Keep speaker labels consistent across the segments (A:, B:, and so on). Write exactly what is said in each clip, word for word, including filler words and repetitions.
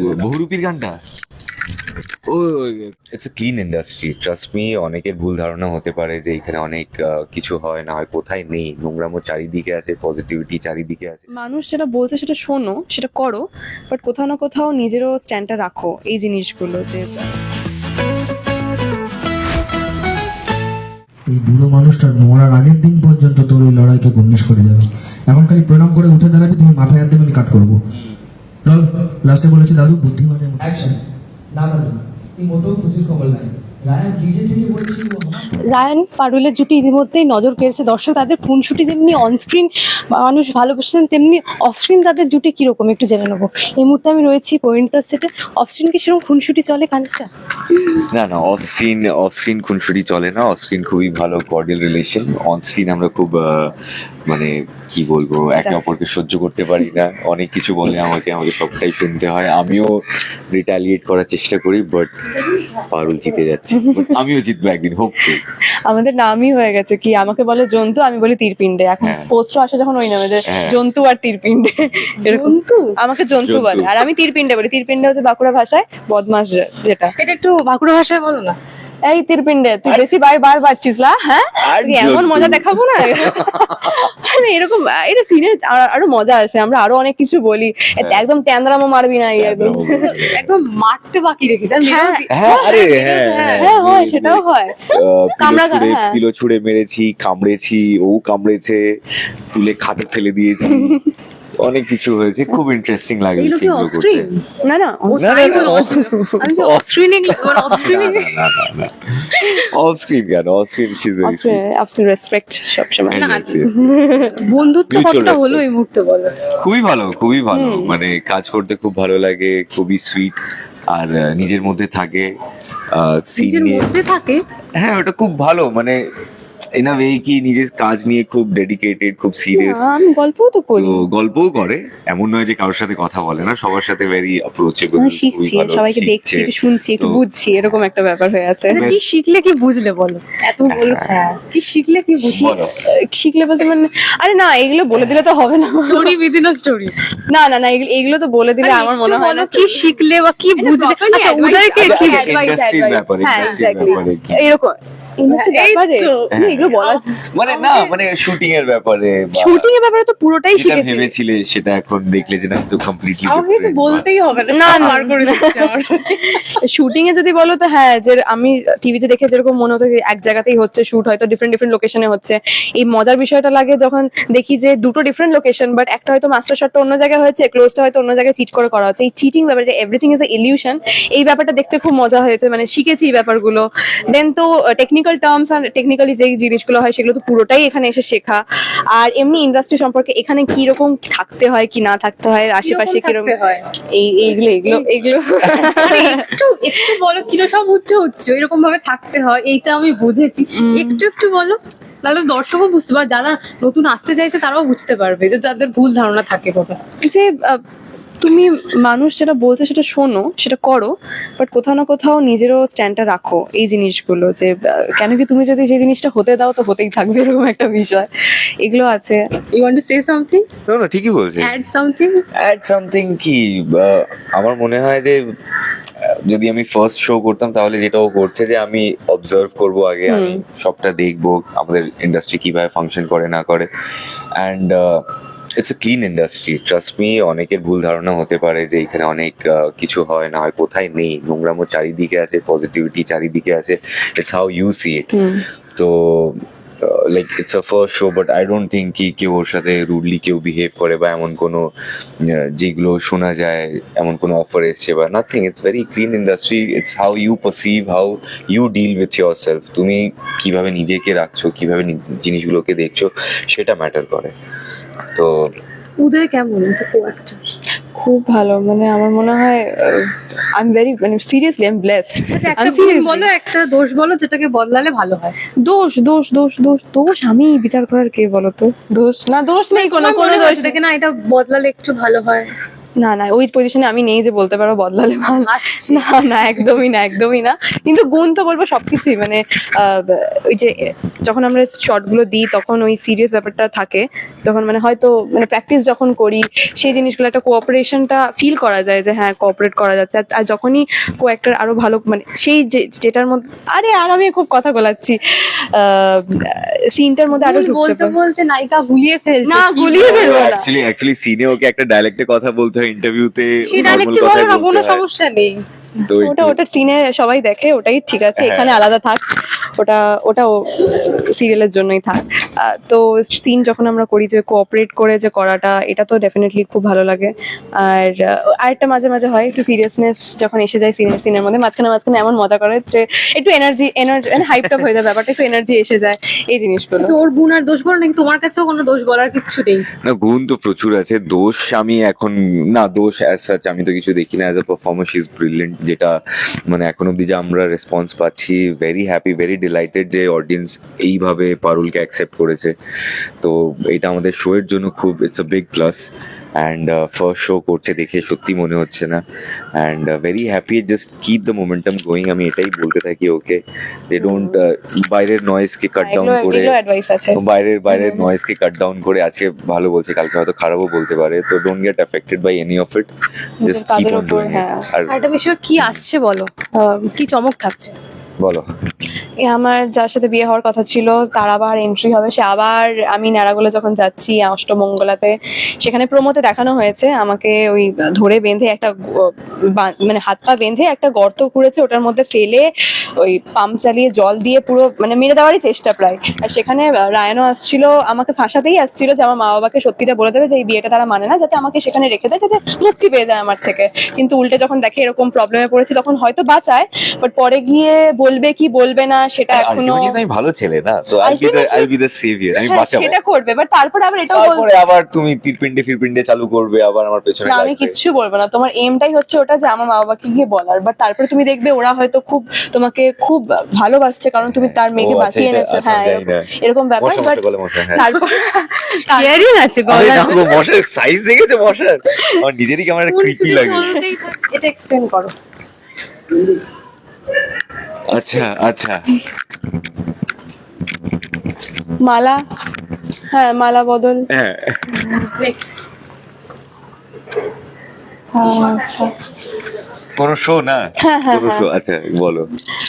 A: বহুরূপীর গানটা ও it's a clean industry, trust me. অনেকের ভুল ধারণা হতে পারে যে এখানে অনেক আহ, কিছু হয় না হয়, কোথায় নেই। নোংরামো চারিদিকে আছে, পজিটিভিটি চারিদিকে আছে।
B: মানুষ যেটা বলছে সেটা শোনো, সেটা করো, বাট কোথাও না কোথাও নিজেরও স্ট্যান্ডটা রাখো। এই জিনিসগুলো যে
C: এই বুড়ো মানুষটার মরার আগের দিন পর্যন্ত তোর ওই লড়াইকে গণ্যেশ করে যাবে। এখন খালি প্রণাম করে উঠে দাঁড়াবি, তুমি মাথায় হাত দেবে, আমি কাট করবো। চল, লাস্টে বলেছে দাদু বুদ্ধিমানের অ্যাকশন। না দাদু, এই মোটেও খুশির খবর নাই। রায়ান নিজে থেকে বলেছিল ও আমার
B: রায়ান পারুলের জুটি ইতিমধ্যেই নজর কেড়েছে দর্শক। তাদের খুনসুটি যেমনি অনস্ক্রিন মানুষ ভালোবাসেন, তেমনি অফস্ক্রিন তাদের জুটি কিরকম একটু জেনে নেবো। এই মুহূর্তে আমি রয়েছি পরিণীতার সেটে। অফস্ক্রিন কি সেরকম খুনসুটি চলে খানিকটা?
A: না না, অফ স্ক্রিন অফ স্ক্রিন খুনসুটি চলে না। অফ স্ক্রিন খুবই ভালো কর্ডিয়াল রিলেশন। অন স্ক্রিন আমরা খুব আহ, মানে কি বলবো, একে অপরকে সহ্য করতে পারি না। অনেক কিছু বলে আমাকে, আমাকে সবটাই শুনতে হয়। আমিও রিটালিয়েট করার চেষ্টা করি, বাট পারুল জিতে যাচ্ছে। But আমিও জিতবো একদিন, হোপফুল।
B: আমাদের নামই হয়ে গেছে কি, আমাকে বলে জন্তু, আমি বলি তীরপিণ্ডে। এখন
A: হ্যাঁ।
B: পোস্টও আসে যখন ওই নামে যে
A: হ্যাঁ।
B: জন্তু আর তীরপিণ্ডে, এরকম। আমাকে জন্তু
A: জন্তু।
B: বলে, আর আমি তীরপিণ্ডে বলি। তীরপিণ্ডে হচ্ছে বাঁকুড়া ভাষায় বদমাস, যে- যেটা।
D: এটা একটু বাঁকুড়া ভাষায় বলো না।
B: এই তীরপিণ্ডে, তুই বেশি বার বার পাচ্ছিস না, হ্যাঁ?
A: আর
B: তোকে এমন
A: জন্তু।
B: মজা দেখাবো না। মানে এরকম এটা সিনে আরো মজা আসে, আমরা আরো অনেক কিছু বলি। একদম ট্যান্দ্রামো মারবি না, এই একদম।
D: একদম মারতে বাকি রেখেছে আর মেরেও দি-
A: হ্যাঁ, আরে হ্যাঁ
B: হ্যাঁ হয়, সেটাও হয়।
A: পিলো
B: কামড়া
A: ছুঁড়ে
B: হ্যাঁ।
A: পিলো ছুঁড়ে মেরেছি, কামড়েছি, ও কামড়েছে, তুলে খাটে ফেলে দিয়েছি, অনেক কিছু হয়েছে। খুব ইন্টারেস্টিং লাগে
D: এগুলো কি
A: সেগুলো
D: অফ
A: করতে।
D: স্ক্রিন?
B: না না
D: ও
A: না,
D: তাই
A: না,
D: বলো।
A: off-
D: আমি যে অফ স্ক্রিনে মানে অফ স্ক্রিনে
A: অফ স্ক্রিন কেন? Off screen she is very sweet.
B: আপনি রেসপেক্ট সবসময়।
D: না, বন্ধুত্ব
A: Mutual
D: কতটা
A: respect.
D: হলো এই মুহূর্তে বলো।
A: খুবই ভালো, খুবই ভালো। মানে কাজ করতে খুব ভালো লাগে, খুবই সুইট। আর আহ, নিজের মধ্যে থাকে সিন
D: নিজের
A: নিয়ে।
D: মধ্যে থাকে।
A: হ্যাঁ, ওটা খুব ভালো। মানে ইন আ ওয়ে কি নিজের কাজ নিয়ে খুব ডেডিকেটেড, খুব সিরিয়াস।
B: না, আমি গল্পও তো করি।
A: তো গল্পও করে, এমন নয় যে কারোর সাথে কথা বলে না, সবার সাথে ভেরি অ্যাপ্রোচেবল।
B: আমি শিখছি, সবাইকে দেখছি, একটু শুনছি, একটু
A: তো-
B: বুঝছি, এরকম একটা ব্যাপার হয়ে আছে।
A: বেশ।
D: কি শিখলে কি বুঝলে বলো? এত বলো, হ্যাঁ কি শিখলে কি বুঝলে?
A: বলো।
B: শিখলে বলতে মানে, আরে না, এগুলো বলে দিলে তো হবে না।
D: Story within a story.
B: না না না, এগুলো- এগুলো তো বলে দিলে আমার মনে হয় না।
D: কি শিখলে বা কি বুঝলে? আচ্ছা উদয়কে
A: আচ্ছা,
D: কি
A: আচ্ছা, industry র ব্যাপারে,
B: হ্যাঁ,
A: industry র
B: exactly.
A: ব্যাপারে কি?
B: এরকম industry র
D: এই
B: ব্যাপারে
D: তো।
B: না, এগুলো বলা
A: মানে না, মানে শুটিং এর ব্যাপারে বা
B: শুটিং এর ব্যাপারে তো পুরোটাই
A: যেটা
B: শিখেছি।
A: ভেবেছিলে সেটা এখন দেখলে যে না, তো কমপ্লিটলি
D: আমাকে তো বলতেই হবে না,
B: না, না।
D: মার করে দিচ্ছে আমার।
B: শুটিং এ যদি বলো তো হ্যাঁ, যে আমি টিভিতে দেখে যেরকম মনে হতো যে এক জায়গাতেই হচ্ছে শুট, হয়তো ডিফারেন্ট ডিফারেন্ট লোকেশনে হচ্ছে। এই মজার বিষয়টা লাগে যখন দেখি যে দুটো ডিফারেন্ট লোকেশন, বাট একটা হয়তো মাস্টার শটটা অন্য জায়গায় হয়েছে, ক্লোজটা হয়তো অন্য জায়গায় চিট করে করা হচ্ছে। এই চিটিং ব্যাপার, যে এভরিথিং ইজ এ ইলিউশন, এই ব্যাপারটা দেখতে খুব মজা হয়েছে। মানে শিখেছি এই ব্যাপারগুলো। দেন তো টেকনিক্যাল টার্মস আর টেকনিক্যালি যেই জিনিসগুলো হয় সেগুলো তো পুরোটাই এখানে এসে শেখা। আর এমনি ইন্ডাস্ট্রি সম্পর্কে এখানে কি রকম থাকতে হয়, কি না থাকতে হয়, আশেপাশে
D: কিরকম
B: কিরকম
D: থাকতে হয়?
B: এই এইগুলো এগুলো এগুলো
D: মানে একটু একটু বলো কিরকম উচ্চ উচ্চ এরকম ভাবে থাকতে হয়, এইটা আমি বুঝেছি। একটু একটু বলো, তাহলে দর্শকও বুঝতে পারবে, যারা নতুন আসতে চাইছে তারাও বুঝতে পারবে যে তাদের ভুল ধারণা থাকে কোথায়।
B: যে আহ, তুমি মানুষ যেটা বলছে সেটা শোনো, সেটা করো, বাট কোথাও না কোথাও নিজেরও স্ট্যান্ডটা রাখো। এই জিনিসগুলো যে আহ, কেন কি তুমি যদি সেই জিনিসটা হতে দাও তো হতেই থাকবে, এরকম একটা বিষয়। এগুলো আছে।
D: You want to say something,
A: না না, ঠিকই বলছে।
D: Add something.
A: অ্যাড সামথিং কি, আহ, আমার মনে হয় যে আহ, যদি আমি ফার্স্ট শো করতাম তাহলে যেটাও করছে যে আমি অবজার্ভ করব আগে, আমি সবটা দেখবো আমাদের ইন্ডাস্ট্রি কিভাবে ফাংশন করে না করে। And it's a clean industry, trust me. অনেকের ভুল ধারণা হতে পারে যে এখানে অনেক আহ, কিছু হয় না হয়, কোথায় নেই। নোংরামো চারিদিকে আছে, পজিটিভিটি চারিদিকে আছে। It's how you see it. তো like it's a first show, but I don't think কি কেউ ওর সাথে রুডলি কেউ বিহেভ করে বা এমন কোনো আহ, যেগুলো শোনা যায় এমন কোনো অফার এসছে বা nothing. It's very clean industry. It's how you perceive, how you deal with yourself. তুমি কিভাবে নিজেকে রাখছো, কিভাবে নি- জিনিসগুলোকে দেখছো, সেটা ম্যাটার করে। তো
D: উদয় কেমন আছে কো অ্যাক্টর?
B: খুব ভালো। মানে আমার মনে হয় আই এম ভেরি, মানে সিরিয়াসলি আই এম ব্লেসড।
D: একটা গুণ বলো, একটা দোষ বলো যেটাকে বদলালে ভালো হয়।
B: দোষ দোষ দোষ দোষ দোষ আমি বিচার করার কে বলো তো? দোষ না, দোষ নেই কোনো, কোনো দোষ নেই।
D: দেখে না এটা বদলালে একটু ভালো হয়।
B: না না, ওই পজিশনে আমি নেই যে বলতে পারবো বদলালে ভালো। না না, একদমই না, একদমই না। কিন্তু গুণ তো বলবো সবকিছুই। মানে আহ, ওই যে যখন আমরা শর্ট গুলো দিই তখন ওই সিরিয়াস ব্যাপারটা থাকে, যখন মানে হয়তো মানে প্র্যাকটিস যখন করি সেই জিনিসগুলো একটা কোঅপারেশনটা ফিল করা যায় যে হ্যাঁ কোঅপারেট করা যাচ্ছে। আর- আর যখনই কো অ্যাক্টর আরো ভালো মানে সেই যে যেটার মধ্যে আরে আর আমি খুব কথা বলাচ্ছি সিনটার মধ্যে আরো
D: ভুল
B: ঢুকতে
D: বলতে
B: পারি
D: বলতে নায়িকা গুলিয়ে ফেলছে
B: না
D: কি
B: গুলিয়ে
D: বলবো?
B: ফেলবো না
A: অ্যাকচুয়ালি অ্যাকচুয়ালি সিনে ওকে একটা ডায়ালেক্টে কথা বলতে হয়, ইন্টারভিউতে
D: সেই
A: নর্মাল
D: ডাইরেক্টই
A: কথাই
D: বলো না, কোনো
A: বলতে হয়।
D: সমস্যা নেই।
A: তো
B: ওটা
A: একটু-
B: ওটা সিনে সবাই দেখে ওটাই ঠিক আছে,
A: হ্যাঁ।
B: এখানে আলাদা থাক, ওটা ওটাও সিরিয়ালের জন্যই থাক। আহ, তো সিন যখন আমরা করি যে কোঅপারেট করে যে করাটা, এটা তো ডেফিনেটলি খুব ভালো লাগে। আর আহ, আরেকটা মাঝে মাঝে হয় একটু সিরিয়াসনেস যখন এসে যায় সিনের সিনের মধ্যে, মাঝখানে মাঝখানে এমন মজা করে যে একটু এনার্জি এনার্জি হাইপটা হয়ে যায় ব্যাপারটা, একটু এনার্জি এসে যায় এই জিনিসগুলো।
D: তো ওর গুণ আর দোষ বলো নাকি তোমার কাছেও কোনো দোষ বলার কিচ্ছু নেই?
A: না, গুণ তো প্রচুর আছে, দোষ আমি এখন না, দোষ অ্যাজ সাচ আমি তো কিছু দেখি না। As a performer she is brilliant, যেটা মানে এখন অব্দি যে আমরা রেসপন্স পাচ্ছি, ভেরি হ্যাপি, ভেরি ডিলাইটেড যে অডিয়েন্স এইভাবে পারুলকে অ্যাকসেপ্ট করেছে। তো এটা আমাদের শো এর জন্য খুব it's a big plus. And first show করছে দেখে সত্যি মনে হচ্ছে না, and very happy, just keep the momentum going. আমি এটাই বলতে থাকি ওকে, দে ডোন্ট বাইরের নয়েজকে কাট ডাউন
B: এগুলো
A: করে,
B: এগুলো অ্যাডভাইস আছে।
A: বাইরের বাইরের নয়েজকে কাট ডাউন করে আজকে ভালো বলছে কালকে হয়তো খারাপও বলতে পারে। তো don't get affected by any of it, just keep
B: কাজের
A: অন
B: উপর,
A: ডুইং
B: হ্যাঁ।
A: ইট। আর
D: আর একটা বিষয় কি আসছে বলো, আহ, কি চমক থাকছে?
A: বলো।
B: এ আমার যার সাথে বিয়ে হওয়ার কথা ছিল তার আবার এন্ট্রি হবে, সে আবার আমি ন্যাড়াগোলা যখন যাচ্ছি অষ্টমঙ্গলাতে, সেখানে প্রোমোতে দেখানো হয়েছে আমাকে ওই ধরে বেঁধে একটা গ- বা- মানে হাত পা বেঁধে একটা গর্ত খুঁড়েছে, ওটার মধ্যে ফেলে ওই পাম্প চালিয়ে জল দিয়ে পুরো মানে মেরে দেওয়ারই চেষ্টা প্রায়। আর সেখানে রায়ানও আসছিল, আমাকে ফাঁসাতেই আসছিল যে আমার মা বাবাকে সত্যিটা বলে দেবে যে এই বিয়েটা তারা মানে না, যাতে আমাকে সেখানে রেখে দেয়, যাতে মুক্তি পেয়ে যায় আমার থেকে। কিন্তু উল্টে যখন দেখে এরকম প্রবলেমে পড়েছি তখন হয়তো বাঁচায়, বাট পরে গিয়ে বলবে কি বলবে না সেটা এখনো
A: আলটিমেটলি আমি ভালো ছেলে না, তো I be the I be the saviour, আমি
B: হ্যাঁ,
A: বাঁচাবো।
B: সেটা করবে, বাট তারপরে আবার এটাও বলবে
A: তারপরে আবার তুমি তীরপিন্ডে ফিরপিন্ডে চালু করবে, আবার আমার পেছনে
B: না আমি
A: লাগবে।
B: কিচ্ছু বলবো না, তোমার এমটাই হচ্ছে ওটা যে আমার মা বাবাকে গিয়ে বলার, বাট তারপরে তুমি দেখবে ওরা হয়তো খুব তোমাকে খুব ভালোবাসছে কারণ তুমি তার মেয়েকে
A: ও, আচ্ছা,
B: বাঁচিয়ে
A: এটা-
B: এনেছো,
A: আচ্ছা,
B: হ্যাঁ
A: জানি না।
B: এরকম- এরকম ব্যাপার।
A: মশা,
B: বাট
A: মশা, গলে মশা, হ্যাঁ।
B: তারপর
D: কেয়ারিং আছে
A: আরে
D: গলা।
A: না গো, মশার সাইজ দেখেছো মশার? আমার নিজেরই কেমন একটা ক্রিপি লাগে।
D: এটা এক্সপ্লেন করো।
A: আচ্ছা আচ্ছা,
B: মালা, হ্যাঁ মালা বদল,
A: হ্যাঁ
D: নেক্সট
B: হ্যাঁ আচ্ছা
A: কোন শো না,
B: হ্যাঁ, হ্যাঁ,
A: কোন
B: হ্যাঁ।
A: শো, আচ্ছা বলো।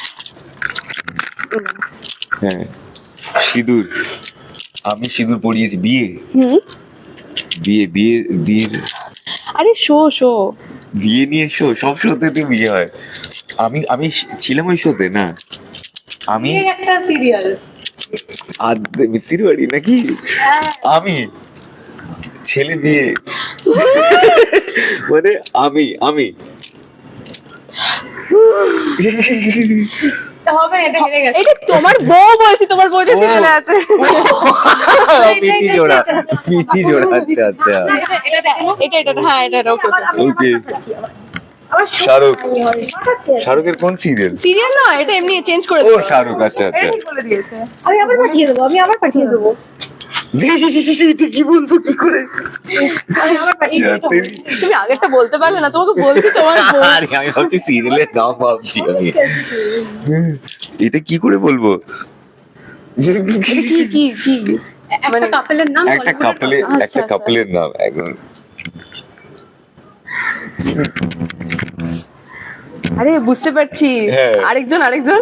A: হ্যাঁ, সিঁদুর, আমি সিঁদুর পরিয়েছি। বিয়ে
B: হুম
A: বিয়ে বিয়ে বিয়ে
B: আরে শো শো
A: বিয়ে নিয়ে শো, সব শোতে তো বিয়ে হয়। আমি আমি ছিলাম ওই শোতে না, আমি
D: এর একটা সিরিয়াল।
A: আদ মিত্তির বাড়ি নাকি, আমি ছেলে বিয়ে মানে আমি আমি
D: তা হবে না, এটা হেরে গেছে।
B: এটা তোমার বউ বলছি, তোমার বউ যে
A: ও।
B: সিরিয়ালে আছে।
A: পিটি জোড়া, পিটি জোড়া, আচ্ছা আচ্ছা,
D: না, এটা এটা দেখো।
B: এটা এটা হ্যাঁ এটা এটা ওকে
A: ওকে। শাহরুখ, শাহরুখের কোন সিরিয়াল?
B: সিরিয়াল না, এটা এমনি চেঞ্জ করে
A: ও
B: দিল।
A: শাহরুখ, আচ্ছা আচ্ছা।
B: এটা ঠিক বলে দিয়েছে।
D: আমি আবার পাঠিয়ে দেবো, আমি আবার পাঠিয়ে দেবো।
A: এটা কি বলবো কি করে?
D: আমি আবার পাঠিয়ে
A: আচ্ছা,
D: দেবো।
A: তেরি-
B: তুমি আগেরটা বলতে পারলে না, তোমাকে বলছি তোমার বউ।
A: আরে আমি ভাবছি সিরিয়ালের নাম ভাবছি আমি, এটা কি করে বলবো?
B: কি কি কি
D: একটা
B: মানে-
D: কাপেলের নাম
A: একটা
D: বলিউডের
A: কাপলের
B: আচ্ছা,
A: একটা
B: আচ্ছা।
A: কাপলের নাম একদম।
B: আরে বুঝতে পারছি,
A: হ্যাঁ।
B: আরেকজন আরেকজন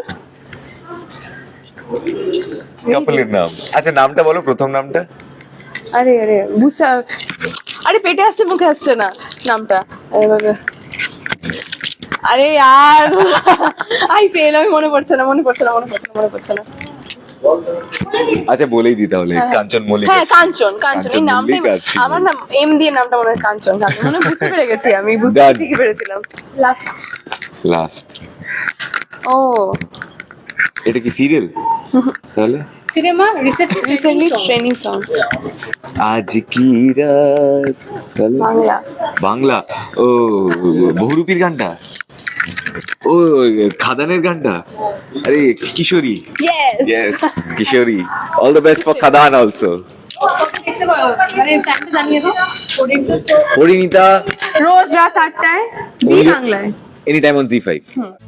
A: কাপলের নাম, আচ্ছা নামটা বলো, প্রথম নামটা।
B: আরে আরে বুঝতে, আরে পেটে আসছে মুখে আসছে না নামটা এইভাবে। আরে यार আই ফেল, আমি মনে পড়ছে না মনে পড়ছে না মনে পড়ছে না মনে পড়ছে না
A: আচ্ছা বলেই দি তাহলে,
B: হ্যাঁ,
A: কাঞ্চন মল্লিক।
B: হ্যাঁ কাঞ্চন কাঞ্চন এই
A: কাঞ্চন
B: নামটাই
A: মল্লিক আর শিবু।
B: আমার নাম এম দিয়ে নামটা মনে হয় কাঞ্চন কাঞ্চন মনে হয়, বুঝতে পেরে গেছি আমি, বুঝতে
A: Done.
B: ঠিকই পেরেছিলাম।
D: লাস্ট।
A: লাস্ট,
B: ও
A: এটা কি সিরিয়াল তাহলে?
D: Cinema recently
B: recently trending song,
A: আজ কি রাত, তাহলে
B: বাংলা।
A: বাংলা। ও বহুরূপীর গানটা, ও খাদানের গানটা, আরে Kishori,
B: yes
A: yes Kishori, all the best for Khadaan also.
D: দেখতে পারো, মানে টাইমটা জানিয়ে দাও।
A: পরিণীতা
B: রোজ রাত আটটায় জি বাংলায়।
A: Any time on Zee five.
B: Hmm.